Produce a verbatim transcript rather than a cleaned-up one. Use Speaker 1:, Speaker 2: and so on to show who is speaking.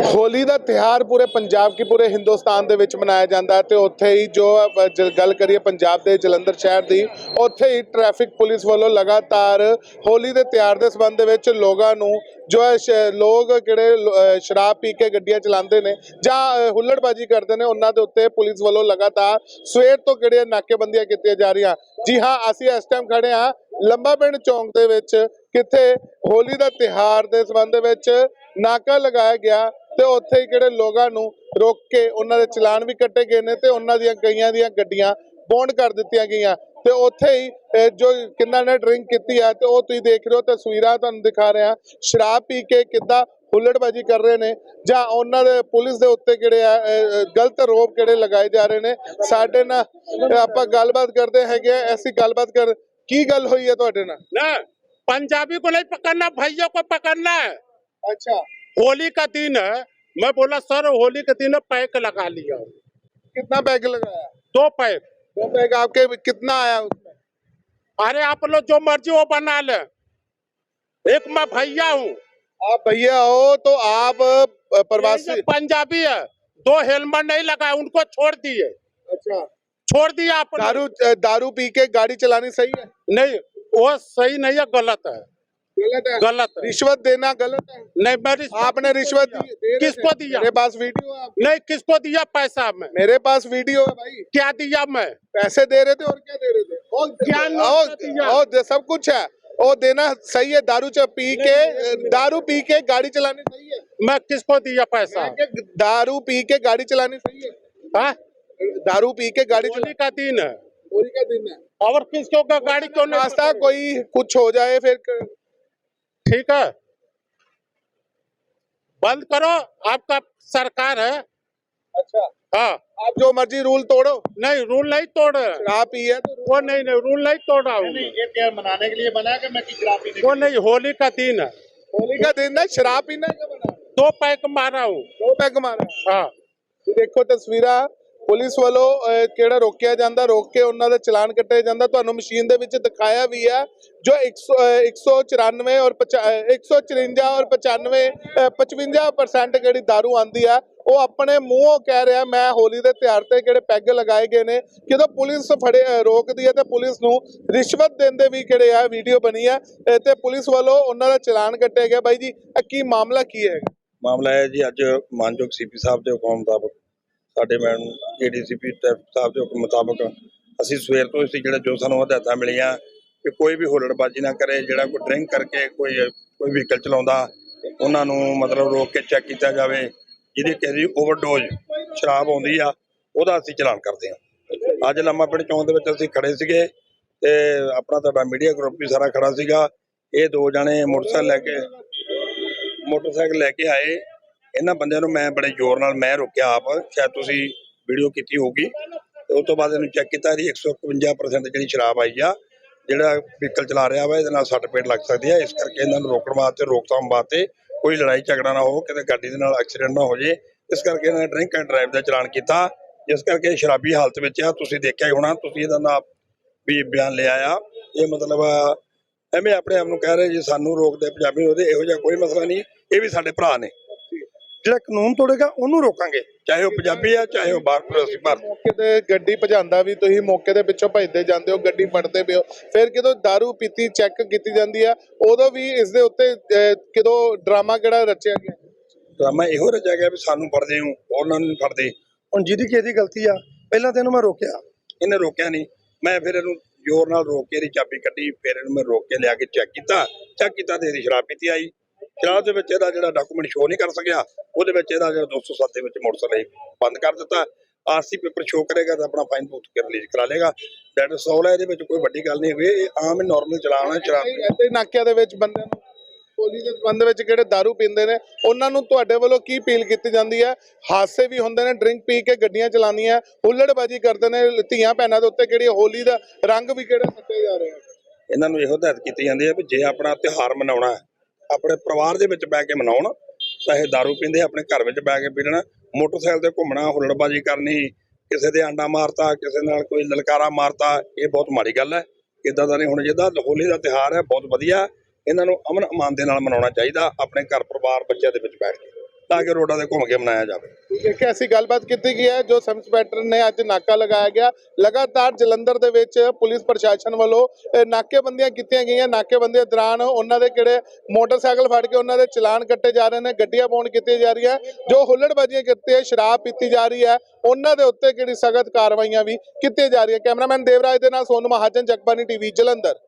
Speaker 1: होली का त्यौहार पूरे पंजाब की पूरे हिंदुस्तान के मनाया जाता है। तो उत्थे ही जो गल करिए पंजाब के जलंधर शहर की, उत्थे ही ट्रैफिक पुलिस वालों लगातार होली के त्यौहार के संबंध में लोगों को जो है लोग किहड़े शराब पी के गड्डियां चलाते हैं जां हुल्लड़बाजी करते हैं, उन्होंने दे उत्ते पुलिस वालों लगातार सवेर तो किहड़े नाकेबंदियां कीतियां जा रही। जी हाँ, असीं इस टाइम खड़े हाँ लंबा पिंड चौंक दे विच, कित्थे होली का त्यौहार के संबंध में नाका लगाया गया ते उत्थे किहड़े लोगों को रोक के उन्होंने चलान भी कट्टे गए ने ते उन्हां दियां कईयां दियां गड्डियां बॉन्ड कर दित्तियां गईयां। ते उत्थे ही जो किन्ना ने ड्रिंक की है तो तुसीं देख रहे हो, तस्वीरां तुहानूं दिखा रहे हैं शराब पी के किद्दां हुल्लड़बाजी कर रहे हैं जां उन्हां दे पुलिस दे उत्ते किहड़े आ गलत आरोप किहड़े लगाए जा रहे हैं। साडे नाल आपां गलबात करदे हैगे, ऐसी गलबात कर की गल हुई है तुहाडे नाल?
Speaker 2: ना पंजाबी को नहीं पकड़ना, भैया को पकड़ना है।
Speaker 1: अच्छा,
Speaker 2: होली का दिन है, मैं बोला सर होली के दिन पैक लगा लिया।
Speaker 1: कितना पैक लगाया?
Speaker 2: दो पैक।
Speaker 1: दो पैक आपके कितना आया उसमें?
Speaker 2: अरे आप लोग जो मर्जी वो बना ले, एक मैं भैया हूँ।
Speaker 1: आप भैया हो तो आप प्रवासी
Speaker 2: पंजाबी है, दो हेलमेट नहीं लगाए, उनको छोड़ दिए।
Speaker 1: अच्छा,
Speaker 2: छोड़ दिया आप।
Speaker 1: दारू दारू पी के गाड़ी चलानी सही है?
Speaker 2: नहीं, वो सही नहीं है, गलत है।
Speaker 1: गलत है?
Speaker 2: गलत है।
Speaker 1: रिश्वत देना गलत है?
Speaker 2: नहीं, मैं रिश्वत
Speaker 1: आपने रिश्वत दी, दे
Speaker 2: किसको दिया?
Speaker 1: मेरे पास वीडियो है।
Speaker 2: नहीं, किसको दिया पैसा? मैं
Speaker 1: मेरे पास वीडियो है भाई।
Speaker 2: क्या दिया? मैं
Speaker 1: पैसे दे रहे थे और क्या दे रहे थे? और
Speaker 2: क्या
Speaker 1: और,
Speaker 2: दिया?
Speaker 1: और सब कुछ है, वो देना सही है। दारू च पी के दारू पी के गाड़ी चलानी सही है?
Speaker 2: मैं किसको दिया पैसा?
Speaker 1: दारू पी के गाड़ी चलानी सही है?
Speaker 2: हाँ?
Speaker 1: दारू पी के गाड़ी
Speaker 2: होली का दिन है।
Speaker 1: होली का दिन है
Speaker 2: और किसको का गाड़ी क्यों नहीं?
Speaker 1: नाश्ता कोई कुछ हो जाए फिर
Speaker 2: ठीक है, बंद करो, आपका सरकार है।
Speaker 1: अच्छा,
Speaker 2: हाँ,
Speaker 1: आप जो मर्जी रूल तोड़ो।
Speaker 2: नहीं, रूल नहीं तोड़।
Speaker 1: शराब पी है तो
Speaker 2: वो नहीं नहीं रूल नहीं तोड़ा हूँ।
Speaker 1: ये क्या मनाने के लिए बना है कि मैं शराब पीने?
Speaker 2: वो नहीं, होली का दिन है।
Speaker 1: होली का दिन है, शराब पीने का बना?
Speaker 2: दो पैक मारा हूँ।
Speaker 1: दो पैक मारा?
Speaker 2: हाँ,
Speaker 1: देखो तस्वीरां, पुलिस वालों किहड़ा रोकिया जाता, रोक के उन्होंने दा चलान कट्टिया जाता। तुहानूं मशीन दे विच दिखाया भी है जो एक सौ एक सौ चौरानवे और एक सौ चुरंजा और पचानवे पचवंजा परसेंट जिहड़ी दारू आती है वो अपने मूँहों कह रहा मैं होली के त्यौहार ते किहड़े पैग लगाए गए ने। जो पुलिस फड़े रोकती है तो पुलिस नूं रिश्वत देंदे भी किहड़े आ वीडियो बनी है ते पुलिस वालों उन्हों दा चलान कट्टिया गया। बाई जी की मामला की है?
Speaker 3: मामला है जी, अज मानयोग सी पी साहब के हुक्म मुताबक साडे madam A D C P traffic साहब के हुक्म मुताबक असीं सवेर तो इसी जिहड़े जो सानूं हदायतां मिलियां कि कोई भी हुल्लड़बाजी ना करे, जिहड़ा कोई ड्रिंक करके कोई कोई व्हीकल चलाउंदा उन्हां नूं मतलब रोक के चैक किया जाए। जिहदी किसी दी ओवरडोज शराब आउंदी आ उहदा असीं चलान करदे हां। अज लम्मा पिंड चौंक दे विच असीं खड़े सीगे ते अपना तुहाडा मीडिया ग्रुप भी सारा खड़ा सीगा। ये दो जणे मोटरसाइकिल लैके मोटरसाइकिल लैके आए, इन्हां बंदियां नूं मैं बड़े जोर नाल मैं रोकिया आप, शायद तुसीं वीडियो कीती होगी। ते उस तो बाद इहनूं चैक कीता, इहदी एक सौ इकवंजा परसेंट जिहड़ी शराब आई आ, जिहड़ा व्हीकल चला रहा वा इहदे नाल सੱਟ पेट लग सकदी है। इस करके इन्हां नूं रोकण वास्ते रोकथाम वास्ते कोई लड़ाई झगड़ा ना हो, किते गाड़ी दे नाल एक्सीडेंट ना हो जे, इस करके इन्हां ने ड्रिंक एंड ड्राइव दा चलान कीता। जिस करके शराबी हालत विच आ, तुसीं देखिआ ही होणा, तुसीं इहदा नाम भी बयान लिया आ। ये मतलब एवें अपने आप नूं कह रहे जी सानूं रोकदे पंजाबी होदे, इहो जिहा कोई मसला नहीं। ये भी साडे भरा ने, ਜਿਹੜਾ ਕਾਨੂੰਨ ਤੋੜੇਗਾ ਉਹਨੂੰ ਰੋਕਾਂਗੇ, ਚਾਹੇ ਉਹ ਪੰਜਾਬੀ ਆ ਚਾਹੇ ਉਹ ਬਾਹਰ ਪ੍ਰਵਾਸੀ ਭਾਰਤ।
Speaker 1: ਮੌਕੇ ਤੇ ਗੱਡੀ ਭਜਾਉਂਦਾ ਵੀ ਤੁਸੀਂ ਮੌਕੇ ਦੇ ਪਿੱਛੋਂ ਭਜਦੇ ਜਾਂਦੇ ਹੋ, ਗੱਡੀ ਫੜਦੇ ਪਿਓ, ਫਿਰ ਕਿਦੋਂ ਦਾਰੂ ਪੀਤੀ ਚੈੱਕ ਕੀਤੀ ਜਾਂਦੀ ਆ ਉਦੋਂ ਵੀ ਇਸ ਦੇ ਉੱਤੇ ਕਿਦੋਂ ਡਰਾਮਾ ਕਿਹੜਾ ਰਚਿਆ ਗਿਆ?
Speaker 3: ਡਰਾਮਾ ਇਹੋ ਰਚਿਆ ਗਿਆ ਵੀ ਸਾਨੂੰ ਫੜਦੇ ਹੋ ਉਹਨਾਂ ਨੂੰ ਫੜਦੇ। ਹੁਣ ਜਿਹਦੀ ਕਿਸੇ ਦੀ ਗਲਤੀ ਆ, ਪਹਿਲਾਂ ਤਾਂ ਇਹਨੂੰ ਮੈਂ ਰੋਕਿਆ, ਇਹਨੇ ਰੋਕਿਆ ਨਹੀਂ, ਮੈਂ ਫਿਰ ਇਹਨੂੰ ਜ਼ੋਰ ਨਾਲ ਰੋਕ ਕੇ ਇਹਦੀ ਚਾਬੀ ਕੱਢੀ, ਫਿਰ ਇਹਨੂੰ ਮੈਂ ਰੋਕ ਕੇ ਲਿਆ ਕੇ ਚੈੱਕ ਕੀਤਾ। ਚੈੱਕ ਕੀਤਾ ਤੇ ਇਹਦੀ ਸ਼ਰਾਬ ਪੀਤੀ ਆਈ। ਸ਼ਰਾਬ ਦੇ ਵਿੱਚ ਇਹਦਾ ਜਿਹੜਾ ਡਾਕੂਮੈਂਟ ਸ਼ੋਅ ਨਹੀਂ ਕਰ ਸਕਿਆ, ਉਹਦੇ ਵਿੱਚ ਇਹਦਾ ਜਿਹੜਾ ਦੋ ਸੌ ਸੱਤ ਦੇ ਵਿੱਚ ਮੋਟਰਸਾਈਕਲ ਬੰਦ ਕਰ ਦਿੱਤਾ। ਆਰ ਸੀ ਪੇਪਰ ਸ਼ੋਅ ਕਰੇਗਾ ਤਾਂ ਆਪਣਾ ਫਾਈਨ ਭੁਗਤ ਕੇ ਰਿਲੀਜ਼ ਕਰਾ ਲੇਗਾ। ਦੈਟ ਇਜ਼ ਆਲ ਹੈ, ਇਹਦੇ ਵਿੱਚ ਕੋਈ ਵੱਡੀ ਗੱਲ ਨਹੀਂ ਹੋਈ। ਇਹ ਆਮ ਨੋਰਮਲ ਚਲਾਨ ਹੈ ਸ਼ਰਾਬ।
Speaker 1: ਇੱਥੇ ਨਾਕਿਆਂ ਦੇ ਵਿੱਚ ਬੰਦਿਆਂ ਨੂੰ ਹੋਲੀ ਦੇ ਸੰਬੰਧ ਵਿੱਚ ਕਿਹੜੇ ਦਾਰੂ ਪੀਂਦੇ ਨੇ ਉਹਨਾਂ ਨੂੰ ਤੁਹਾਡੇ ਵੱਲੋਂ ਕੀ ਅਪੀਲ ਕੀਤੀ ਜਾਂਦੀ ਹੈ? ਹਾਦਸੇ ਵੀ ਹੁੰਦੇ ਨੇ, ਡਰਿੰਕ ਪੀ ਕੇ ਗੱਡੀਆਂ ਚਲਾਉਂਦੀਆਂ, ਹੁੱਲੜਬਾਜੀ ਕਰਦੇ ਨੇ, ਧੀਆਂ ਭੈਣਾਂ ਦੇ ਉੱਤੇ ਕਿਹੜੀ ਹੋਲੀ ਦਾ ਰੰਗ ਵੀ ਕਿਹੜਾ ਸੱਟੇ ਜਾ ਰਹੇ ਆ।
Speaker 3: ਇਹਨਾਂ ਨੂੰ ਇਹੋ ਹਦਾਇਤ ਕੀਤੀ ਜਾਂਦੀ ਹੈ ਵੀ ਜੇ ਆਪਣਾ ਤਿਉਹਾਰ ਮਨਾਉਣਾ ਹੈ ਆਪਣੇ ਪਰਿਵਾਰ ਦੇ ਵਿੱਚ ਬਹਿ ਕੇ ਮਨਾਉਣ, ਚਾਹੇ ਦਾਰੂ ਪੀਂਦੇ ਆਪਣੇ ਘਰ ਵਿੱਚ ਬਹਿ ਕੇ ਪੀ ਲੈਣਾ। ਮੋਟਰਸਾਈਕਲ ਤੇ ਘੁੰਮਣਾ, ਹੁੱਲੜਬਾਜੀ ਕਰਨੀ, ਕਿਸੇ ਦੇ ਆਂਡਾ ਮਾਰਤਾ, ਕਿਸੇ ਨਾਲ ਕੋਈ ਲਲਕਾਰਾ ਮਾਰਤਾ, ਇਹ ਬਹੁਤ ਮਾੜੀ ਗੱਲ ਹੈ। ਇੱਦਾਂ ਦਾ ਨਹੀਂ ਹੋਣਾ ਚਾਹੀਦਾ। ਹੋਲੀ ਦਾ ਤਿਉਹਾਰ ਹੈ, ਬਹੁਤ ਵਧੀਆ। ਇਹਨਾਂ ਨੂੰ ਅਮਨ ਅਮਾਨ ਦੇ ਨਾਲ ਮਨਾਉਣਾ ਚਾਹੀਦਾ ਆਪਣੇ ਘਰ ਪਰਿਵਾਰ ਬੱਚਿਆਂ ਦੇ ਵਿੱਚ ਬੈਠ ਕੇ। ਤਾਂ ਕਿ ਰੋਡਾਂ ਤੇ ਘੁੰਮ ਕੇ ਮਨਾਇਆ ਜਾਵੇ।
Speaker 1: ਇੱਕ ਐਸੀ ਗੱਲਬਾਤ ਕੀਤੀ ਗਈ ਹੈ ਜੋ ਸਬ ਇੰਸਪੈਕਟਰ ਨੇ ਅੱਜ ਨਾਕਾ ਲਗਾਇਆ ਗਿਆ। ਲਗਾਤਾਰ ਜਲੰਧਰ ਦੇ ਵਿੱਚ ਪੁਲਿਸ ਪ੍ਰਸ਼ਾਸਨ ਵੱਲੋਂ ਇਹ ਨਾਕੇਬੰਦੀਆਂ ਕੀਤੀਆਂ ਗਈਆਂ। ਨਾਕੇਬੰਦੀ ਦੌਰਾਨ ਉਹਨਾਂ ਦੇ ਕਿਹੜੇ ਮੋਟਰਸਾਈਕਲ ਫੜ ਕੇ ਉਹਨਾਂ ਦੇ ਚਲਾਨ ਕੱਟੇ ਜਾ ਰਹੇ ਨੇ, ਗੱਡੀਆਂ ਬੌਂਡ ਕੀਤੀਆਂ ਜਾ ਰਹੀਆਂ। ਜੋ ਹੁੱਲੜਬਾਜ਼ੀਆਂ ਕੀਤੀਆਂ, ਸ਼ਰਾਬ ਪੀਤੀ ਜਾ ਰਹੀ ਹੈ, ਉਹਨਾਂ ਦੇ ਉੱਤੇ ਕਿਹੜੀ ਸਖਤ ਕਾਰਵਾਈਆਂ ਵੀ ਕੀਤੀਆਂ ਜਾ ਰਹੀਆਂ। ਕੈਮਰਾਮੈਨ ਦੇਵਰਾਜ ਦੇ ਨਾਲ ਸੋਨੂ ਮਹਾਜਨ, ਜਗਬਾਨੀ ਟੀਵੀ, ਜਲੰਧਰ।